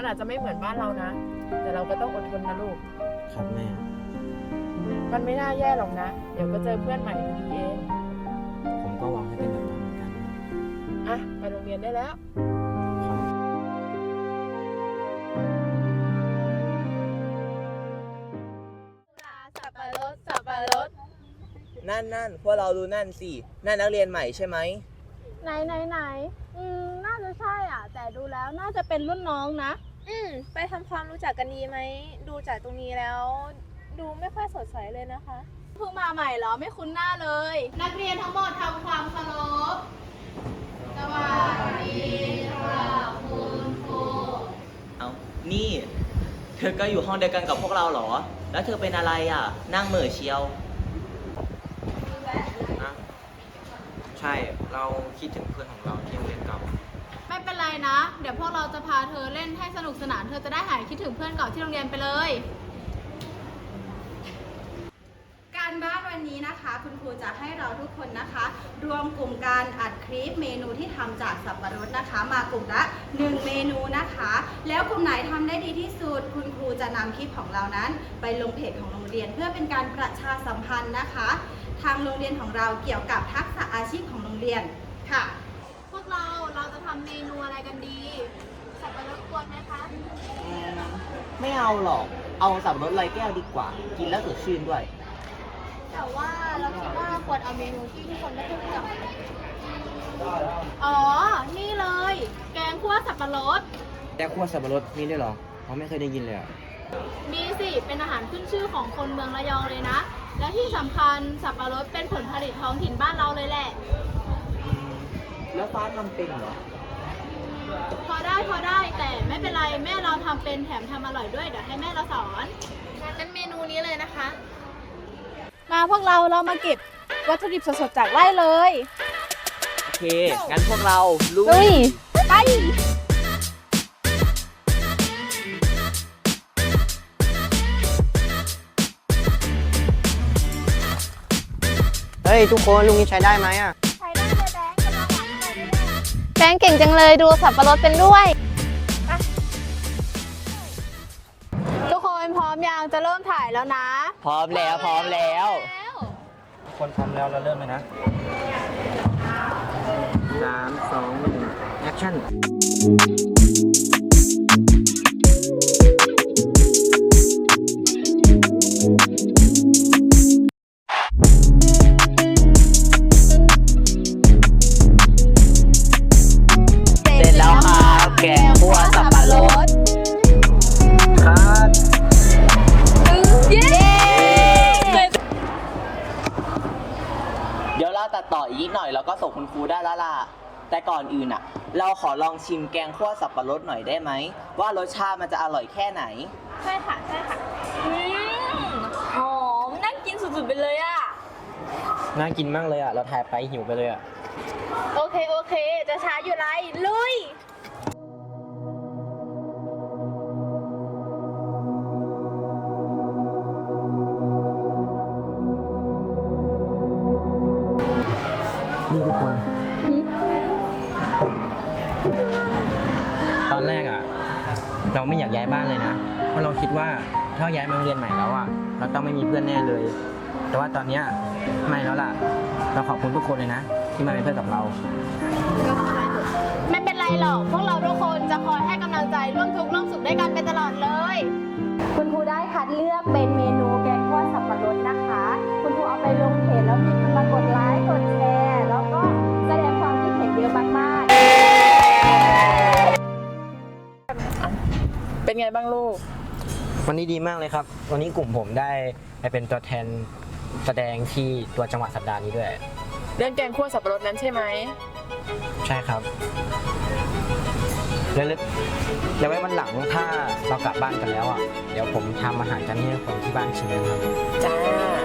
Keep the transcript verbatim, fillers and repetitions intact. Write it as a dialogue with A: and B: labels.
A: อาจจะไม่เหมือนบ้านเรานะแต่เราก็ต้องอดทนนะลูก
B: ครับแม่
A: มันไม่น่าแย่หรอกนะเดี๋ยวก็เจอเพื่อนใหม่ดีๆเอง
B: ผมก็หวังให้เป็นแบบนั้นเหมือนกัน
A: อ่ะไปโรงเรียนได้แล้ว
C: สับปะรดสับปะรด
D: นั่นนั่นพวกเราดูนั่นสินั่นนักเรียนใหม่ใช่ไหม
C: ไหนไหนไหนอืมน่าจะใช่อ่ะแต่ดูแล้วน่าจะเป็นรุ่นน้องนะ
E: อืมไปทำความรู้จักกันดีไหมดูจากตรงนี้แล้วดูไม่ค่อยสดใสเลยนะคะ
C: เพิ่งมาใหม่เหรอไม่คุ้นหน้าเลยนักเรียนทั้งหมดทำความเคารพสวัสดีครับคุณครู
D: เอานี่เธอก็อยู่ห้องเดียวกันกับพวกเราเหรอแล้วเธอเป็นอะไรอ่ะนั่งเหม่อเชียว
B: ใช่เราคิดถึงเพื่อนของเราที่โรงเรียนเก่า
C: ไม่เป็นไรนะเดี๋ยวพวกเราจะพาเธอเล่นให้สนุกสนานเธอจะได้หายคิดถึงเพื่อนเก่าที่โรงเรียนไปเลย
F: การบ้านวันนี้นะคะคุณครูจะให้เราทุกคนนะคะรวมกลุ่มการอัดคลิปเมนูที่ทำจากสับปะรดนะคะ มากลุ่มละหนึ่งเมนูนะคะแล้วกลุ่มไหนทำได้ดีที่สุดคุณครูจะนำคลิปของเรานั้นไปลงเพจของโรงเรียนเพื่อเป็นการประชาสัมพันธ์นะคะทางโรงเรียนของเราเกี่ยวกับทักษะอาชีพของโรงเรียนค่ะ
C: พวกเราเราจะทำเมนูอะไรกันดีสับปะรดกวนไหมคะ
D: ไม่เอาหรอกเอาสับปะรดลอยแก้วดีกว่ากินแล้วสดชื่นด้วย
C: แต่ว่าเราคิดว่าควรเอาเมนูที่ทุกคนไม่รู้จักอ๋อนี่เลยแกงคั่วสับปะรด
B: แกงคั่วสับปะรดมีด้วยเหรอเราไม่เคยได้ยินเลยอ่ะ
C: มีสิเป็นอาหารขึ้นชื่อของคนเมืองระยองเลยนะและที่สำคัญสับปะรดเป็นผลผลิตท้องถิ่นบ้านเราเลยแหละ
D: แล้วฟ้าทำเป็นเหรอ
C: พอได้พอได้แต่ไม่เป็นไรแม่เราทำเป็นแถมทำอร่อยด้วยเดี๋ยวให้แม่เราสอน
E: งั้นเมนูนี้เลยนะคะ
C: มาพวกเราเรามาเก็บวัตถุดิบสดๆจากไร่เลย
D: โอเคงั้นพวกเราลุย
C: ไป
B: เฮ้ยทุกคนลุงนี้ใช้ได้ไหมอ่ะ
C: ใช้ได้เลยแบงค์กำลังหวังอะไรด้วย
E: แบงค์เก่งจังเลยดูสับปะรดเป็นด้วย
C: ทุกคนพร้อมยังจะเริ่มถ่ายแล้วนะ
D: พร้อมแล้วพร้อมแล้ว
B: ทุกคนพร้อมแล้วเราเริ่มเลยนะสามสองหนึ่งแอคชั่น
D: แกงคั่วสับปะรด
B: ครับ
D: เย้เดี๋ยวเราตัดต่ออีกนิดหน่อยแล้วก็ส่งคุณครูได้แล้วล่ะแต่ก่อนอื่นอ่ะเราขอลองชิมแกงคั่วสับปะรดหน่อยได้ไหมว่ารสชาติมันจะอร่อยแค่ไหน
E: ใช่ค่ะใช่ค่ะอืมหอมน่ากินสุดๆไปเลยอ่ะ
B: น่ากินมากเลยอ่ะเราถ่ายไปหิวไปเลยอ่ะ
E: โอเคโอเคจะช้าอยู่ไรลุย
B: นี่ทุกคนตอนแรกอ่ะเราไม่อยากย้ายบ้านเลยนะเพราะเราคิดว่าถ้าย้ายมาโรงเรียนใหม่แล้วอ่ะเราต้องไม่มีเพื่อนแน่เลยแต่ว่าตอนนี้ไม่แล้วล่ะเราขอบคุณทุกคนเลยนะที่มาเป็นเพื่อนกับเรา
C: ไม่เป็นไรหรอกพวกเราทุกคนจะคอยให้กำลังใจร่วมทุกข์ร่วมสุขด้วยกันไปตลอดเลย
F: คุณครูได้คัดเลือกเป็นเมนูแกงคั่วสับปะรดนะคะคุณครูเอาไปลงเพจแล้วมีคนมากดไลค์กดแชร์แล้วก็แสดงความคิดเห็นเยอะมากๆ
A: เป็นไงบ้างลูก
B: วันนี้ดีมากเลยครับวันนี้กลุ่มผมได้ไปเป็นตัวแทนแสดงที่ตัวจังหวัดสัปดาห์นี้ด้วย
A: เรื่องแกงคั่วสับปะรดนั้นใช่ไหม
B: ใช่ครับแล้วแล้วไว้วันหลังถ้าเรากลับบ้านกันแล้วอ่ะเดี๋ยวผมทำอาหารจานนี้ให้คนที่บ้านชิมนะครับ
A: จ้า